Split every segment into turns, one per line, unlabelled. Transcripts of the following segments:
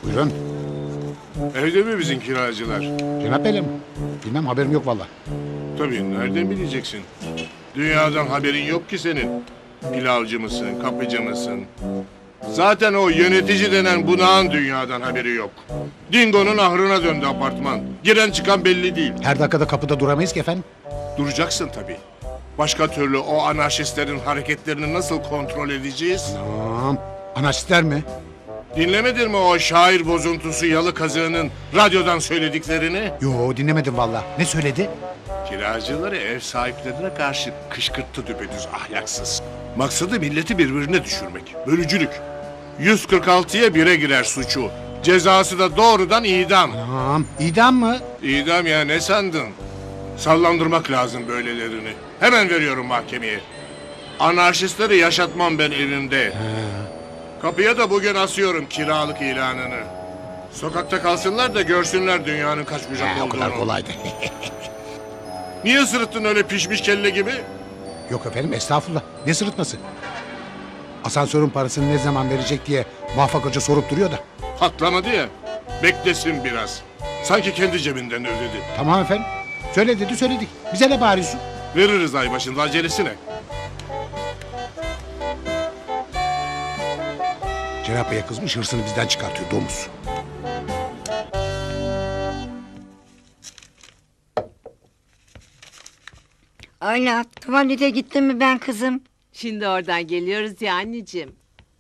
Buyurun.
Evde mi bizim kiracılar?
Cenap Bey'le mi? Bilmem, haberim yok vallahi.
Tabii, nereden bileceksin? Dünyadan haberin yok ki senin. Pilavcı mısın, kapıcı mısın? Zaten o yönetici denen bunağın dünyadan haberi yok. Dingo'nun ahrına döndü apartman. Giren çıkan belli değil.
Her dakikada kapıda duramayız ki efendim.
Duracaksın tabii. Başka türlü o anarşistlerin hareketlerini nasıl kontrol edeceğiz?
Tamam. Anarşistler mi?
Dinlemedin mi o şair bozuntusu yalı kazığının radyodan söylediklerini?
Yo, dinlemedim vallahi. Ne söyledi?
Kiracıları ev sahiplerine karşı kışkırttı düpedüz ahlaksız. Maksadı milleti birbirine düşürmek. Bölücülük. 146'ya 1'e girer suçu. Cezası da doğrudan idam.
Tamam. İdam mı?
İdam ya, ne sandın? Sallandırmak lazım böylelerini. Hemen veriyorum mahkemeye. Anarşistleri yaşatmam ben evimde. Kapıya da bugün asıyorum kiralık ilanını. Sokakta kalsınlar da görsünler dünyanın kaç bucak
O
olduğunu.
kadar kolaydı.
Niye sırıttın öyle pişmiş kelle gibi?
Yok efendim, estağfurullah. Ne sırıtması? Asansörün parasını ne zaman verecek diye Muvaffak Hoca sorup duruyor da.
Patlamadı ya. Beklesin biraz. Sanki kendi cebinden ödedi.
Tamam efendim. Söyle dedi, söyledik. Bize ne bağırıyorsun?
Veririz ay başında, acelesine.
Cenap Bey'e kızmış, hırsını bizden çıkartıyor domuz.
Ayla, tuvalete gittin mi ben kızım?
Şimdi oradan geliyoruz ya anneciğim.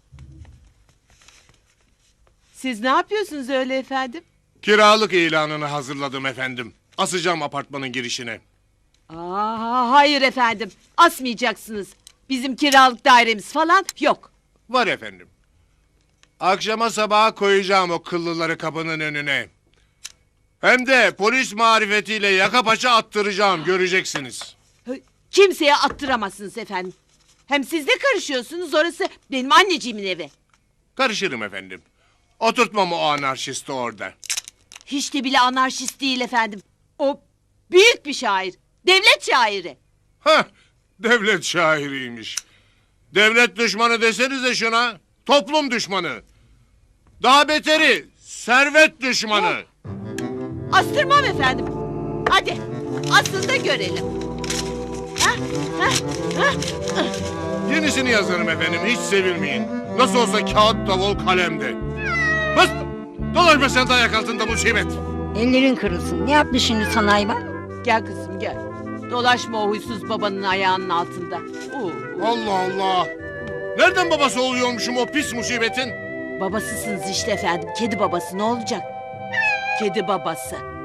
Siz ne yapıyorsunuz öyle efendim?
Kiralık ilanını hazırladım efendim. Asacağım apartmanın girişine.
Hayır efendim. Asmayacaksınız. Bizim kiralık dairemiz falan yok.
Var efendim. Akşama sabaha koyacağım o kıllıları kapının önüne. Hem de polis marifetiyle yaka paça attıracağım, göreceksiniz.
Kimseye attıramazsınız efendim. Hem siz de karışıyorsunuz, orası benim anneciğimin evi.
Karışırım efendim. Oturtmam o anarşisti orada.
Hiç de bile anarşist değil efendim. O büyük bir şair. Devlet şairi.
Hah, devlet şairiymiş. Devlet düşmanı desenize şuna. Toplum düşmanı. Daha beteri servet düşmanı.
Astırmam efendim. Hadi asın da görelim.
Yenisini yazarım efendim, hiç sevilmeyin. Nasıl olsa kağıt, davul, kalemde. Bas! Dolaşma sen de ayak altında musibet.
Ellerin kırılsın. Ne yaptı şimdi sana hayvan?
Gel kızım gel. Dolaşma o huysuz babanın ayağının altında.
Allah Allah! Nereden babası oluyormuşum o pis musibetin?
Babasısınız işte efendim. Kedi babası ne olacak? Kedi babası.